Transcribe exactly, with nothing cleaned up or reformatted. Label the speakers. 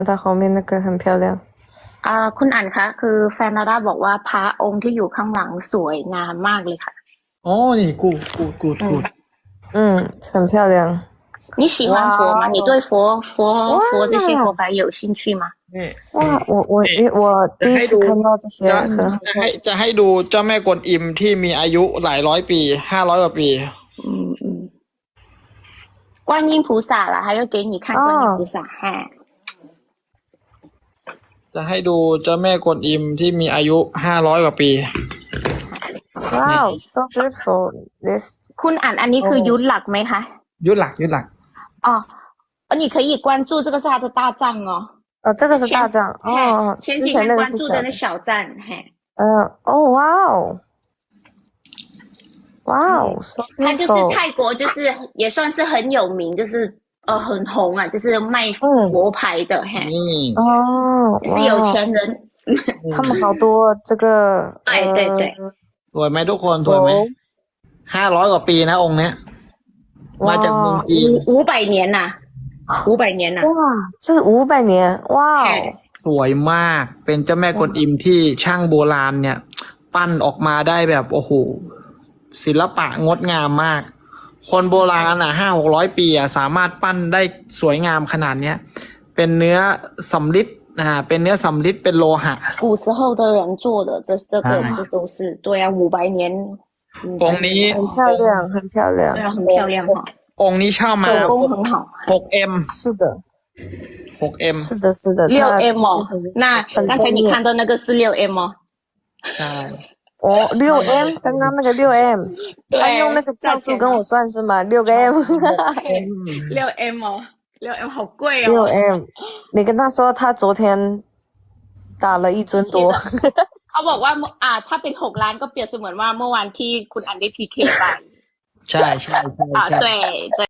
Speaker 1: 它后面那个很漂亮。
Speaker 2: อ่าคุณอั๋นคะคือแฟนดาด้าบอกว่าพระองค์ที่อยู่ข้างหลังสวยงามมากเลยค่ะ
Speaker 3: 哦，你 good good good
Speaker 2: อืม
Speaker 3: good。
Speaker 1: 嗯，很漂亮。
Speaker 2: 你喜欢佛吗？你
Speaker 1: 哇哦
Speaker 2: 对佛佛
Speaker 1: 哇
Speaker 2: 佛这些佛牌有兴趣吗？
Speaker 3: นี่
Speaker 1: 哇，我我
Speaker 3: นี่
Speaker 1: 我第一次
Speaker 3: จะให้ดู
Speaker 1: 看到这些
Speaker 3: จะ
Speaker 1: 很好
Speaker 3: จะให้จะให้ดูเจ้าแม่กวนอิมที่มีอายุหลายร้อยปีห้าร้อยกว่าปี
Speaker 2: 嗯嗯，观音菩萨啦，还要给你看观音菩萨哈。
Speaker 3: จะให้ดูเจ้าแม่กวนอิมที่มีอายุห้าร้อยกว่าปี
Speaker 1: Wow, so beautiful. This
Speaker 2: คุณอั๋นอันนี้คือยุทธหลักไหมคะ
Speaker 3: ยุดหลักยุดหลัก
Speaker 2: อ๋อ哦，你可以关注这个是他的大藏哦。
Speaker 1: 哦，这个是大藏
Speaker 2: 嘿
Speaker 1: 哦，
Speaker 2: 前
Speaker 1: 之前那个
Speaker 2: 几天关
Speaker 1: 是小的。
Speaker 2: 注的那小站，嘿，
Speaker 1: 呃，哦，哇哦，哇哦，so
Speaker 2: 他就是
Speaker 1: beautiful。
Speaker 2: 泰国，就是也算是很有名，就是呃很红啊，就是卖
Speaker 1: 嗯
Speaker 2: 佛牌的，嘿，
Speaker 3: นี่
Speaker 1: 哦，
Speaker 2: 就是有
Speaker 1: 哇，
Speaker 2: 钱人。
Speaker 1: 他们好多这个
Speaker 2: 对对对
Speaker 1: 呃，
Speaker 3: สวยไหมทุกคนสวยไหมห้าร้อยกว่าปีนะองค์เนี้ยมาจากเมืองจีน
Speaker 2: 五五百年呐、五百年呐、
Speaker 1: 哇，这个五百年，哇哦，
Speaker 2: 嘿，
Speaker 3: สวยมากเป็นเจ้าแม่กวนอิมที่ช่างโบราณเนี่ย ปั้นออกมาได้แบบโอ้โหศิลปะงดงามมาก คนโบราณอ่ะห้าหกร้อยปีอ่ะสามารถปั้นได้สวยงามขนาดเนี้ยเป็นเนื้อสำริดอ่าเป็นเนื้อสำริดเป็นโลหะ
Speaker 2: 古时候的人做的，这这个
Speaker 3: 哎
Speaker 2: 这都是对啊，五百年，
Speaker 3: องค์นี้
Speaker 1: 很漂亮，很漂
Speaker 2: 对
Speaker 1: 亮。
Speaker 2: 啊，很漂亮哈，
Speaker 3: องค์นี้เช่ามา
Speaker 2: 手工很好。
Speaker 3: หกเอ็ม
Speaker 1: 是的，
Speaker 3: หกเอ็ม
Speaker 1: 是的，是的，
Speaker 2: 六
Speaker 1: 它
Speaker 2: M 哦，那
Speaker 1: 很
Speaker 2: 刚才你
Speaker 1: 专业
Speaker 2: 看到那个是六 M 哦，
Speaker 3: ใช่
Speaker 1: 哦，六 M，刚刚那个六 M，
Speaker 2: 对
Speaker 1: 他用那个票数跟我算是吗？六个 M，
Speaker 2: 六 M 哦，六 M 好贵
Speaker 1: 六
Speaker 2: 哦。
Speaker 1: M，你跟他说他昨天打了一尊多。
Speaker 2: เขาบอกว่าเมื่ออ่าถ้าเป็นหกล้านก็เปรียบเสมือนว่าเมื่อวานที่คุณอันได้พีเคไป
Speaker 3: ใช่ใช่ใช่
Speaker 2: อ่า
Speaker 3: ใช่
Speaker 2: 对对